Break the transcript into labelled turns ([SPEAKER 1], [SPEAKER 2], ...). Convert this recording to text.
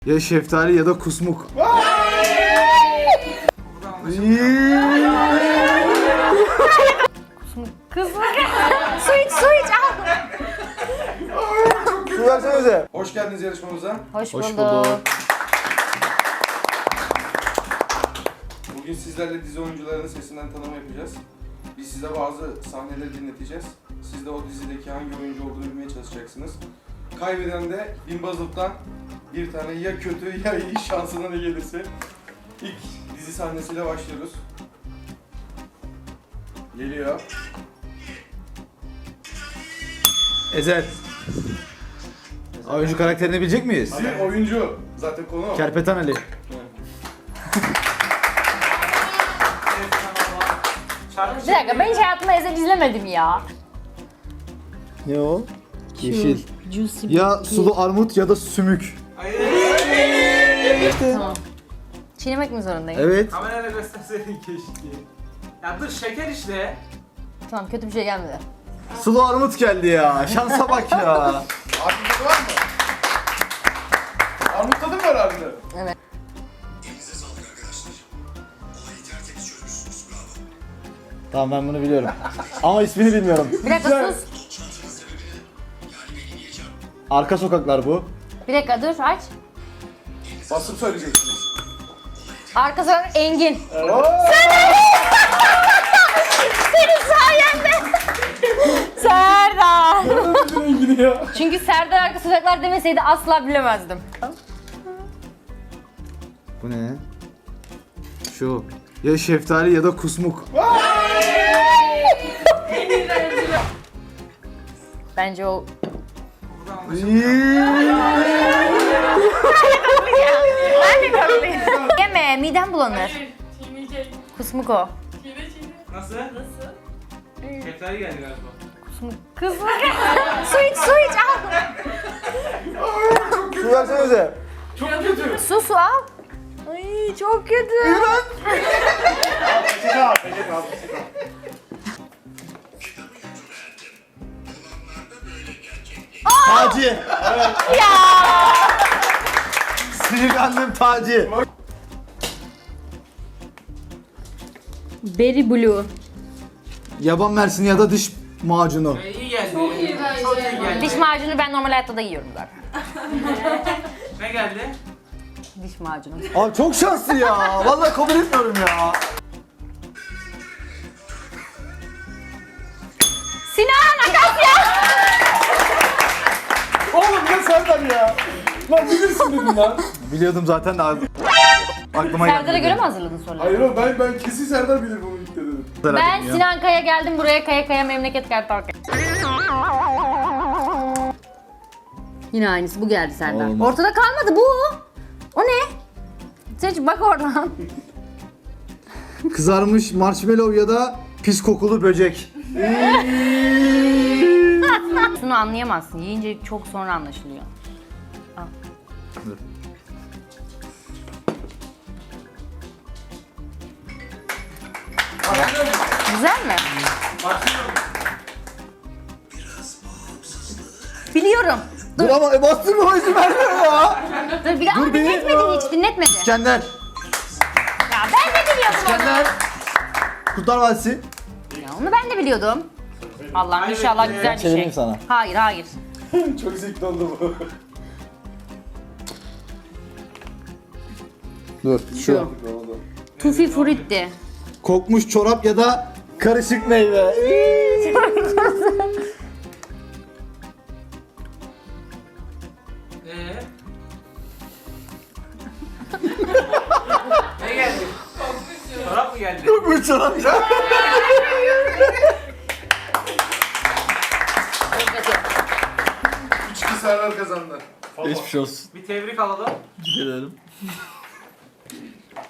[SPEAKER 1] Ya şeftali ya da kusmuk.
[SPEAKER 2] Kızım. Su iç al.
[SPEAKER 1] Su versenize.
[SPEAKER 3] Hoş geldiniz yarışmamıza.
[SPEAKER 2] Hoş
[SPEAKER 1] Hoş
[SPEAKER 2] bulduk.
[SPEAKER 1] bulduk.
[SPEAKER 3] Bugün sizlerle dizi oyuncularının sesinden tanıma yapacağız. Biz size bazı sahneleri dinleteceğiz. Siz de o dizideki hangi oyuncu olduğunu bilmeye çalışacaksınız. Kaybeden de Bimbazlık'tan bir tane ya kötü ya iyi şansına ne gelirse. İlk dizi sahnesiyle başlıyoruz. Geliyor.
[SPEAKER 1] Ezel. Oyuncu karakterini bilecek miyiz?
[SPEAKER 3] Dizi oyuncu. Zaten konu o.
[SPEAKER 1] Kerpeten Ali.
[SPEAKER 2] Bir dakika ben hiç hayatımda Ezel izlemedim ya.
[SPEAKER 1] Ne o? Yeşil.
[SPEAKER 2] Juicy.
[SPEAKER 1] Ya sulu armut ya da sümük.
[SPEAKER 2] Tamam. Çiğnemek mi zorundayım?
[SPEAKER 1] Evet.
[SPEAKER 4] Kamerayla gösterseydin keşke. Ya dur şeker işte.
[SPEAKER 2] Tamam kötü bir şey gelmedi.
[SPEAKER 1] Sulu armut geldi ya. Şansa bak ya.
[SPEAKER 3] Armut tadı var mı? Armut tadı mı var harbiden?
[SPEAKER 2] Evet.
[SPEAKER 5] Elinize sağlık arkadaşlar. Olayı tertemiz çözmüşsünüz, bravo.
[SPEAKER 1] Tamam ben bunu biliyorum. Ama ismini bilmiyorum.
[SPEAKER 2] Bir dakika sus.
[SPEAKER 5] Şansının sebebini, yani beni yiyeceğim.
[SPEAKER 1] Arka sokaklar bu.
[SPEAKER 2] Bir dakika dur aç.
[SPEAKER 3] Basıp söyleyeceksiniz.
[SPEAKER 2] Arka sokak Engin. Senin sayende. Serdar. Çünkü Serdar arka sokaklar demeseydi asla bilemezdim.
[SPEAKER 1] Bu ne? Şu. Ya şeftali ya da kusmuk.
[SPEAKER 2] Bence o... Ben de kapıyım. Yeme midem bulanır.
[SPEAKER 6] Hayır, çiğneyecek.
[SPEAKER 2] Kusmuk o.
[SPEAKER 6] Çiğne çiğne.
[SPEAKER 4] Nasıl?
[SPEAKER 6] Nasıl?
[SPEAKER 4] Şeftali geldi galiba.
[SPEAKER 2] Kusmuk. Kızım. Su iç al.
[SPEAKER 1] Su versenize.
[SPEAKER 4] Çok kötü.
[SPEAKER 2] Su al. Ay çok kötü.
[SPEAKER 1] Taci.
[SPEAKER 2] Ya.
[SPEAKER 1] Sinirlendim Taci.
[SPEAKER 2] Berry Blue.
[SPEAKER 1] Yaban mersini ya da diş macunu.
[SPEAKER 4] İyi geldi.
[SPEAKER 6] Çok iyi bence.
[SPEAKER 4] Çok iyi geldi.
[SPEAKER 2] Diş macunu ben normal hayatta da yiyorum zaten.
[SPEAKER 4] Ne geldi?
[SPEAKER 2] Diş macunu.
[SPEAKER 1] Abi çok şanslı ya. Vallahi kabul etmiyorum ya.
[SPEAKER 2] Sinan Akasya.
[SPEAKER 3] Oğlum ne Serdar ya? Lan bilirsin dedim lan.
[SPEAKER 1] Biliyordum zaten de aklıma geldi.
[SPEAKER 2] Serdar'a göre mi hazırladın soruları?
[SPEAKER 3] Hayır oğlum ben kesin Serdar bilir bunu ilk dedim.
[SPEAKER 2] Ben Sinan Kaya geldim buraya kaya memleket kartal. Yine aynısı bu geldi Serdar.
[SPEAKER 1] Olmaz.
[SPEAKER 2] Ortada kalmadı bu. O ne? Seç bak oradan.
[SPEAKER 1] Kızarmış marshmallow ya da pis kokulu böcek.
[SPEAKER 2] Şunu anlayamazsın. Yiyince çok sonra anlaşılıyor. Al.
[SPEAKER 1] Dur.
[SPEAKER 2] Güzel mi?
[SPEAKER 4] Başlıyorum.
[SPEAKER 2] Biliyorum.
[SPEAKER 1] Dur ama bastırma izin vermiyor ya.
[SPEAKER 2] Dur bir ama
[SPEAKER 1] Dur bir.
[SPEAKER 2] dinletmedi hiç dinletmedi.
[SPEAKER 1] İskender.
[SPEAKER 2] Ya ben de biliyordum onu.
[SPEAKER 1] İskender. Kurtlar Vadisi.
[SPEAKER 2] Ya onu ben de biliyordum. Allah'ım inşallah güzel bir şey.
[SPEAKER 1] Çevireyim sana.
[SPEAKER 2] Hayır.
[SPEAKER 3] Çok zevkli oldu bu.
[SPEAKER 1] Dur şu.
[SPEAKER 2] Tufi Frutti.
[SPEAKER 1] Kokmuş çorap ya da karışık meyve.
[SPEAKER 4] Ne geldi? Çorap mı geldi?
[SPEAKER 1] Kokmuş çorap ya.
[SPEAKER 2] Çok kötü.
[SPEAKER 3] 3-2 Serdar kazandı.
[SPEAKER 1] Geçmiş olsun.
[SPEAKER 4] Bir tebrik alalım.
[SPEAKER 1] Gidelim.